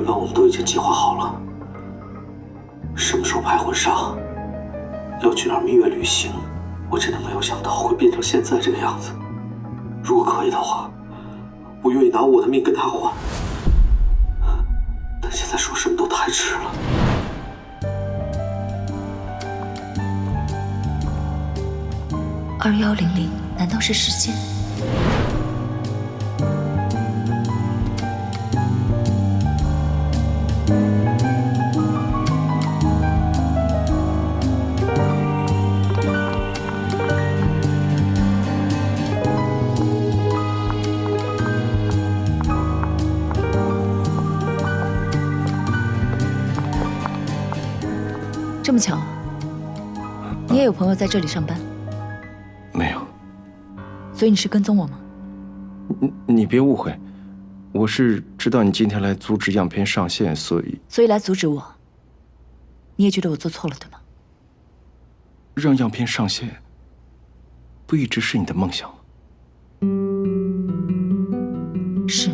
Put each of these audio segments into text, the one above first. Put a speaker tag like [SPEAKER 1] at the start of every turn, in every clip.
[SPEAKER 1] 本我们都已经计划好了，什么时候拍婚纱，要去哪儿蜜月旅行，我真的没有想到会变成现在这个样子。如果可以的话，我愿意拿我的命跟他换，但现在说什么都太迟了。
[SPEAKER 2] 2100难道是时间？这么巧，你也有朋友在这里上班？
[SPEAKER 3] 没有。
[SPEAKER 2] 所以你是跟踪我吗？
[SPEAKER 3] 你别误会，我是知道你今天来阻止样片上线，所以
[SPEAKER 2] 来阻止我。你也觉得我做错了，对吗？
[SPEAKER 3] 让样片上线，不一直是你的梦想吗？
[SPEAKER 2] 是。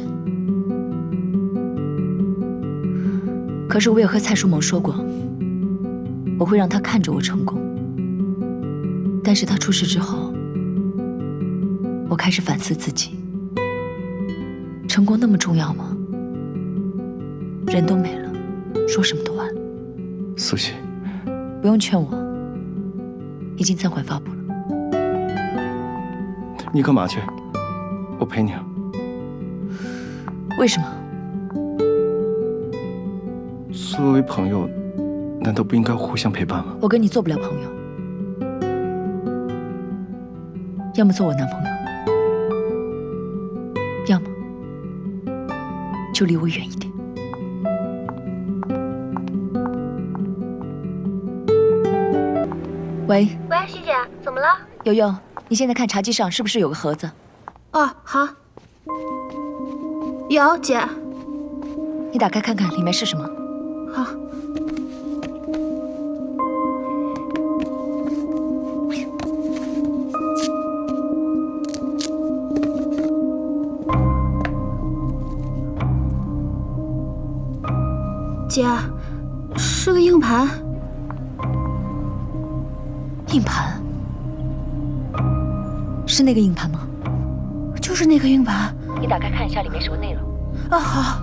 [SPEAKER 2] 可是我也和蔡书萌说过，我会让他看着我成功。但是他出事之后，我开始反思自己：成功那么重要吗？人都没了，说什么都晚了。
[SPEAKER 3] 苏西，
[SPEAKER 2] 不用劝我，已经暂缓发布了。
[SPEAKER 3] 你干嘛去？我陪你啊。
[SPEAKER 2] 为什么？
[SPEAKER 3] 作为朋友，难道不应该互相陪伴吗？
[SPEAKER 2] 我跟你做不了朋友，要么做我男朋友，要么就离我远一点。喂，
[SPEAKER 4] 徐姐，怎么了？
[SPEAKER 2] 悠悠，你现在看茶几上是不是有个盒子？
[SPEAKER 4] 哦，好。有，姐。
[SPEAKER 2] 你打开看看，里面是什么？
[SPEAKER 4] 好。姐，是个硬盘。
[SPEAKER 2] 硬盘？是那个硬盘吗？
[SPEAKER 4] 就是那个硬盘。
[SPEAKER 2] 你打开看一下里面什么内容。
[SPEAKER 4] 啊，好。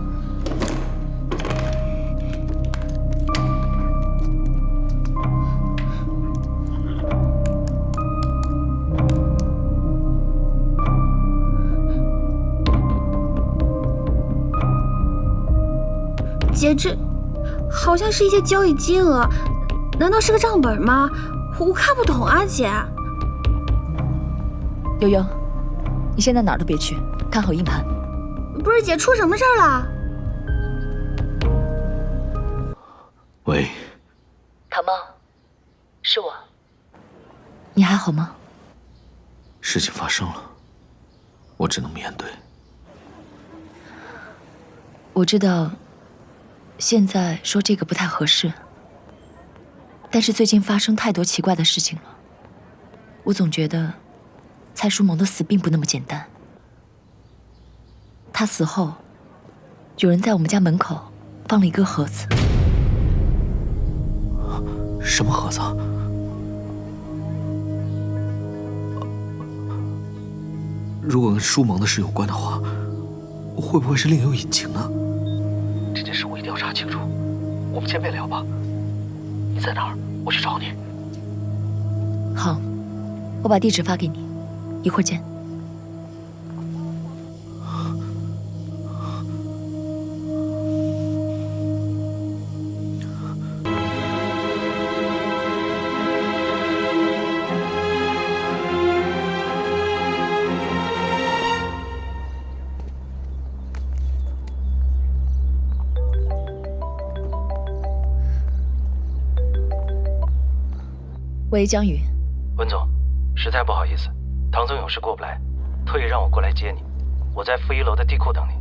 [SPEAKER 4] 姐，这好像是一些交易金额，难道是个账本吗？我看不懂啊，姐。
[SPEAKER 2] 悠悠，你现在哪儿都别去，看好硬盘。
[SPEAKER 4] 不是姐，出什么事儿了？
[SPEAKER 1] 喂，
[SPEAKER 2] 唐梦，是我。你还好吗？
[SPEAKER 1] 事情发生了，我只能面对。
[SPEAKER 2] 我知道，现在说这个不太合适，但是最近发生太多奇怪的事情了，我总觉得蔡书萌的死并不那么简单。他死后，有人在我们家门口放了一个盒子。
[SPEAKER 1] 什么盒子？如果跟书萌的事有关的话，会不会是另有隐情呢？这件事我一定要查清楚。我们见面聊吧。你在哪儿？我去找你。
[SPEAKER 2] 好，我把地址发给你，一会儿见。喂，江宇。
[SPEAKER 5] 文总，实在不好意思，唐总有事过不来，特意让我过来接你。我在负1楼的地库等你。